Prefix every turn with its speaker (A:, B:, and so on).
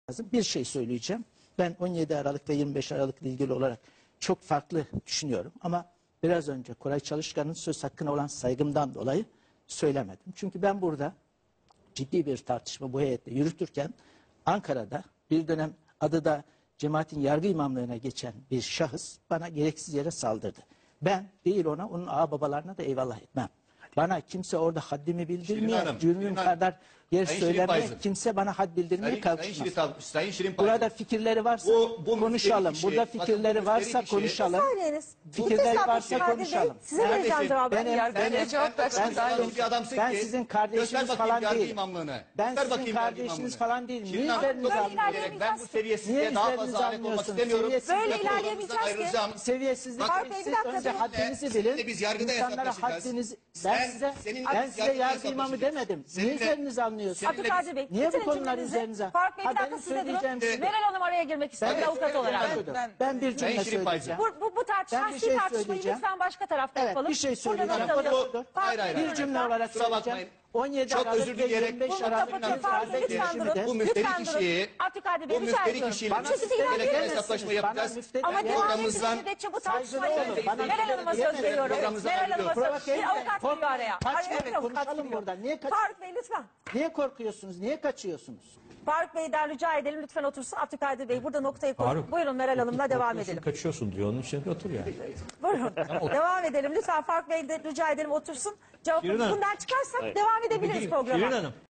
A: lazım. Bir şey söyleyeceğim. Ben 17 Aralık ve 25 Aralık'la ilgili olarak çok farklı düşünüyorum. Ama biraz önce Koray Çalışkan'ın söz hakkına olan saygımdan dolayı söylemedim. Çünkü ben burada ciddi bir tartışma bu heyetle yürütürken Ankara'da bir dönem adı da cemaatin yargı imamlığına geçen bir şahıs bana gereksiz yere saldırdı. Ben değil ona, onun ağababalarına da eyvallah etmem. Bana kimse orada haddimi bildirmeye, cürmüm kadar yer söylemeye, kimse bana had bildirmeye kalkışmaz.
B: Sayın Şirin
A: Burada fikirleri varsa konuşalım. Burada fikirleri varsa konuşalım. Fikirleri varsa konuşalım.
C: Size vereceğim cevabı.
A: Ben sizin kardeşiniz falan değilim. Ben sizin kardeşiniz falan değilim. Niye üzerinize almıyorsunuz?
B: Ben bu seviyesizliğe daha fazla alet olmak istemiyorum.
C: Böyle ilerleyemeyeceğiz ki.
A: Seviyesizlik siz önce haddinizi bilin.
B: Biz yargıda
A: İnsanlara haddinizi... Ben size yargı imamı demedim. Niye üzerinize almıyorsunuz?
C: Abdülkadir Bey,
A: Niye bu konular üzerinize?
C: Faruk Bey bir dakika size durun. Meral Hanım araya girmek istiyor avukat olarak.
A: Ben bir cümle söyleyeceğim.
C: Bu tartışmayı lütfen başka tarafta
A: Evet,
C: yapalım.
A: bir şey söyleyeceğim. Bir cümle olarak söyleyeceğim. 17
B: Çok
A: Aralık
B: özür
A: ve
B: dileyerek
A: 25 Aralık
B: bu müfteri kişiyi
C: Abdülkadir Bey rica ediyorum.
B: gereken hesaplaşma yapacağız.
C: Ama devam ettiği müddetçe bu tartışmayı Meral Hanım'a söz veriyorum. Meral Hanım'a söz. Bir avukat giriyor araya.
A: Kaçmayın, konuşalım burada. Niye
C: Faruk Bey lütfen.
A: Niye korkuyorsunuz? Niye kaçıyorsunuz?
C: Faruk Bey'den rica edelim lütfen otursun. Abdülkadir Bey burada noktayı koyduk. Buyurun Meral Hanım'la devam edelim.
D: Kaçıyorsun diyor, onun için otur yani.
C: Buyurun. Devam edelim. Lütfen Faruk Bey'den rica edelim otursun. Cevaplarımız bundan çıkarsak devam edebiliriz programa.
D: Şirin Hanım.